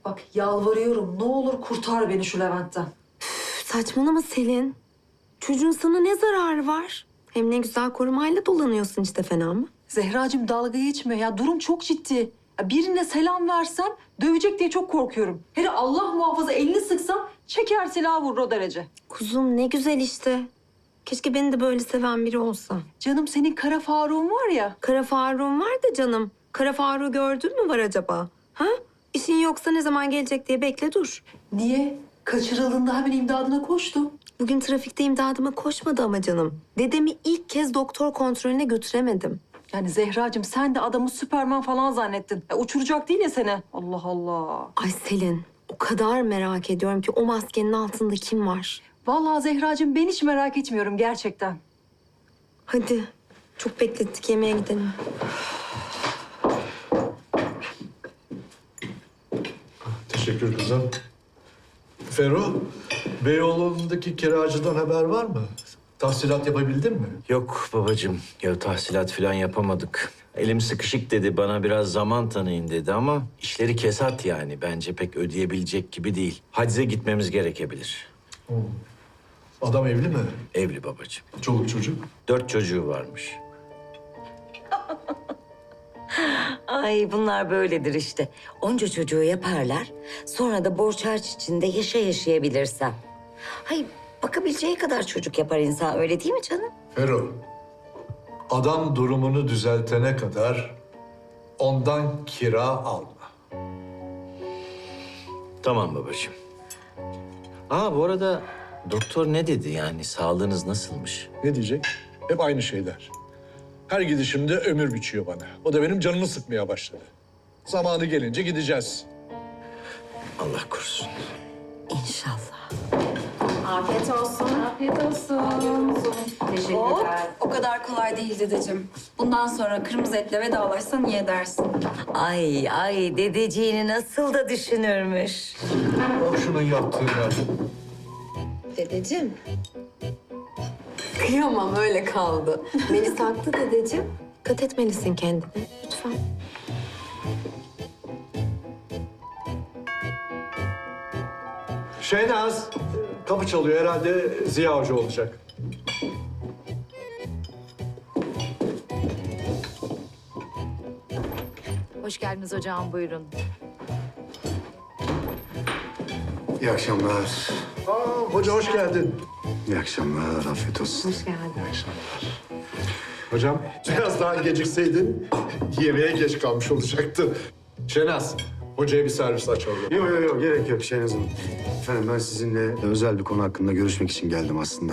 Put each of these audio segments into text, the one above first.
Bak yalvarıyorum, ne olur kurtar beni şu Levent'ten. Saçmalama Selin. Çocuğun sana ne zararı var? Hem ne güzel korumayla dolanıyorsun işte, fena mı? Zehracığım dalga geçme ya, durum çok ciddi. Ya birine selam versem dövecek diye çok korkuyorum. Hele Allah muhafaza elini sıksam çeker silahı vurur o derece. Kuzum ne güzel işte. Keşke beni de böyle seven biri olsa. Canım senin Kara Faruk'un var ya. Kara Faruk'un var da canım. Kara Faruk'u gördün mü var acaba? Ha? İşin yoksa ne zaman gelecek diye bekle dur. Niye? Kaçırıldığında hemen imdadına koştu. Bugün trafikte imdadıma koşmadı ama canım. Dedemi ilk kez doktor kontrolüne götüremedim. Yani Zehracığım sen de adamı Süperman falan zannettin. Ya, uçuracak değil ya seni. Allah Allah. Ay Selin, o kadar merak ediyorum ki o maskenin altında kim var? Vallahi Zehracığım ben hiç merak etmiyorum gerçekten. Hadi, çok beklettik, yemeğe gidelim. Teşekkür kızım. Ferruh, Beyoğlu'ndaki kiracıdan haber var mı? Tahsilat yapabildin mi? Yok babacığım, ya tahsilat falan yapamadık. Elim sıkışık dedi, bana biraz zaman tanıyın dedi ama işleri kesat yani. Bence pek ödeyebilecek gibi değil. Hacize gitmemiz gerekebilir. Adam evli mi? Evli babacığım. Çoluk çocuk. 4 çocuğu varmış. Ay bunlar böyledir işte. Onca çocuğu yaparlar. Sonra da borç harç içinde yaşayabilirsem. Hay bakabileceği kadar çocuk yapar insan, öyle değil mi canım? Ferruh, adam durumunu düzeltene kadar ondan kira alma. Tamam babacığım. Bu arada doktor ne dedi yani, sağlığınız nasılmış? Ne diyecek? Hep aynı şeyler. Her gidişimde ömür biçiyor bana. O da benim canımı sıkmaya başladı. Zamanı gelince gideceğiz. Allah korusun. İnşallah. Afiyet olsun. Afiyet olsun. Teşekkürler. O kadar kolay değil dedeciğim. Bundan sonra kırmızı etle vedalaşsan iyi edersin. Ay dedeciğini nasıl da düşünürmüş. Bak şunun yaptığına. Dedeciğim. Kıyamam, öyle kaldı. Melis haklı dedeciğim. Dikkat etmelisin kendine, lütfen. Şehnaz, kapı çalıyor. Herhalde Ziya Hoca olacak. Hoş geldiniz hocam, buyurun. İyi akşamlar. Hoca hoş geldin. İyi akşamlar. Afiyet olsun. Hoş geldin. İyi akşamlar. Hocam biraz daha gecikseydin yemeğe geç kalmış olacaktı. Şehnaz, hocaya bir servis açalım. Yok gerek yok Şehnaz Hanım. Efendim ben sizinle özel bir konu hakkında görüşmek için geldim aslında.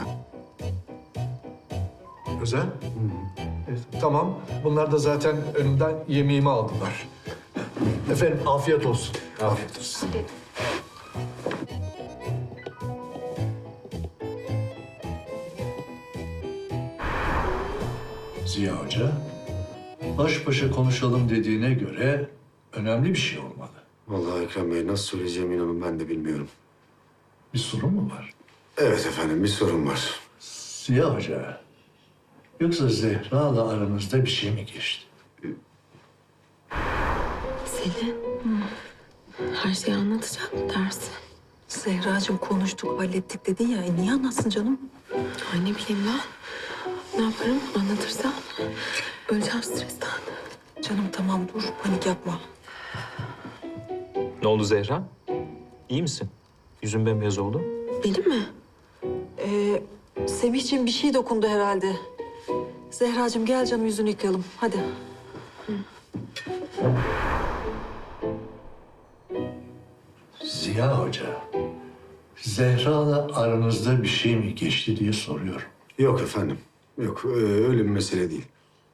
Özel? Tamam. Bunlar da zaten önümden yemeğimi aldılar. Efendim afiyet olsun. Afiyet olsun. Ziya Hoca, baş başa konuşalım dediğine göre önemli bir şey olmalı. Vallahi Ekrem Bey nasıl söyleyeceğimi inanın ben de bilmiyorum. Bir sorun mu var? Evet efendim bir sorun var. Ziya Hoca, yoksa Zehra'la aranızda bir şey mi geçti? Selin, her şeyi anlatacak mı dersin? Zehracığım konuştuk, hallettik dedin ya. Niye anlatsın canım? Ay ne bileyim lan. Ne yaparım anlatırsam? Öleceğim stresten. Canım tamam dur, panik yapma. Ne oldu Zehra? İyi misin? Yüzün bembeyaz oldu. Benim mi? Semihciğim bir şey dokundu herhalde. Zehracığım gel canım yüzünü yıkayalım. Hadi. Ziya Hoca, Zehra'la aranızda bir şey mi geçti diye soruyorum. Yok efendim. Yok öyle bir mesele değil.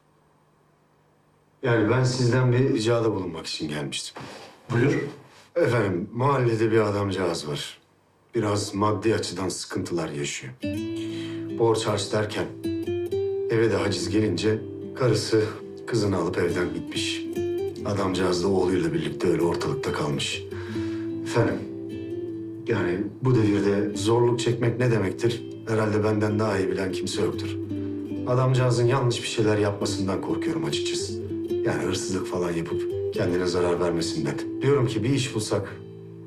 Yani ben sizden bir ricada bulunmak için gelmiştim. Buyur. Efendim mahallede bir adamcağız var. Biraz maddi açıdan sıkıntılar yaşıyor. Borç harç derken eve de haciz gelince karısı kızını alıp evden gitmiş. Adamcağız da oğluyla birlikte öyle ortalıkta kalmış. Efendim yani bu devirde zorluk çekmek ne demektir? Herhalde benden daha iyi bilen kimse yoktur. Adamcağızın yanlış bir şeyler yapmasından korkuyorum açıkçası. Yani hırsızlık falan yapıp kendine zarar vermesinden. Diyorum ki bir iş bulsak,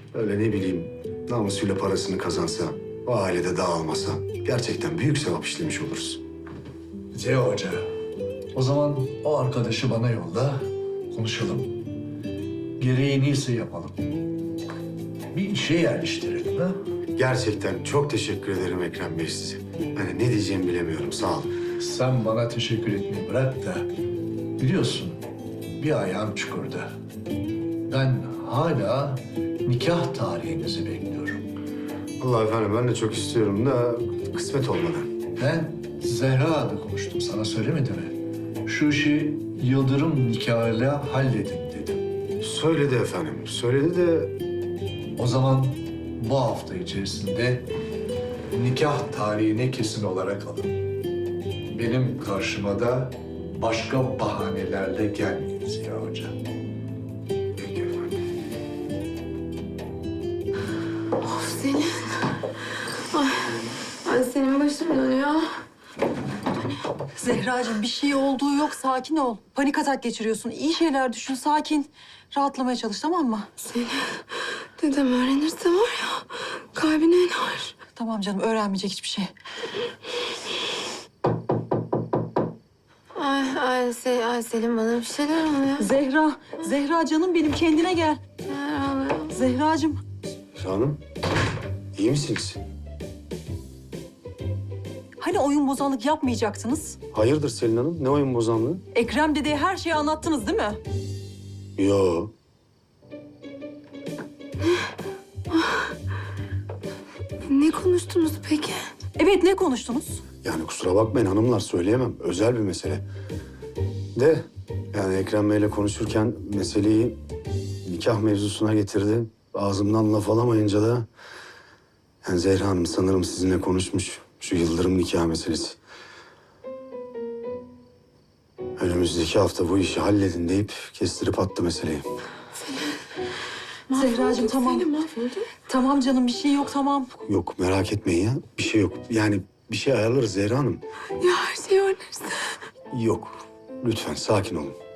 öyle ne bileyim namusuyla parasını kazansa, o ailede dağılmasa gerçekten büyük sevap işlemiş oluruz. Ziya Hoca, o zaman o arkadaşı bana yolla, konuşalım. Gereği neyse yapalım. Bir işe yerleştirelim ha? Gerçekten çok teşekkür ederim Ekrem Bey size. Hani ne diyeceğimi bilemiyorum, sağ olun. Sen bana teşekkür etmeyi bırak da biliyorsun bir ayağım çukurda. Ben hala nikah tarihinizi bekliyorum. Allah efendim ben de çok istiyorum da kısmet olmadı. Ben Zehra'la konuştum, sana söylemedi mi? Şu işi Yıldırım nikahıyla halledin dedim. Söyledi efendim, söyledi de O zaman bu hafta içerisinde nikah tarihine kesin olarak alın. Benim karşıma da başka bahanelerle gelmeyin Ziya Hoca. peki efendim. Of Selin. Ay senin başım dönüyor. Zehracığım bir şey olduğu yok, sakin ol. Panik atak geçiriyorsun. İyi şeyler düşün, sakin. Rahatlamaya çalış, tamam mı? Selin, dedem öğrenirse var ya kalbine iner. Tamam canım, öğrenmeyecek hiçbir şey. Ay Selin bana bir şeyler oluyor. Zehra canım benim, kendine gel. Neler oluyor? Zehracığım. Hanım, iyi misiniz? Hani oyun bozanlık yapmayacaktınız? Hayırdır Selin Hanım, ne oyun bozanlığı? Ekrem dedeye her şeyi anlattınız değil mi? Yo. Ne konuştunuz peki? Evet, ne konuştunuz? Yani kusura bakmayın hanımlar, söyleyemem. Özel bir mesele. De yani Ekrem Bey'le konuşurken meseleyi nikah mevzusuna getirdi. Ağzımdan laf alamayınca da... Yani Zehra Hanım sanırım sizinle konuşmuş. Şu Yıldırım nikah meselesi. Önümüzdeki hafta bu işi halledin deyip kestirip attı meseleyi. Zehracığım tamam. Selin mahvolduk. Tamam canım, bir şey yok, tamam. Yok merak etmeyin ya. Bir şey yok. Yani bir şey ayarlarız Zehra Hanım. Ya her şey öğrenirse. Yok. Lütfen sakin olun.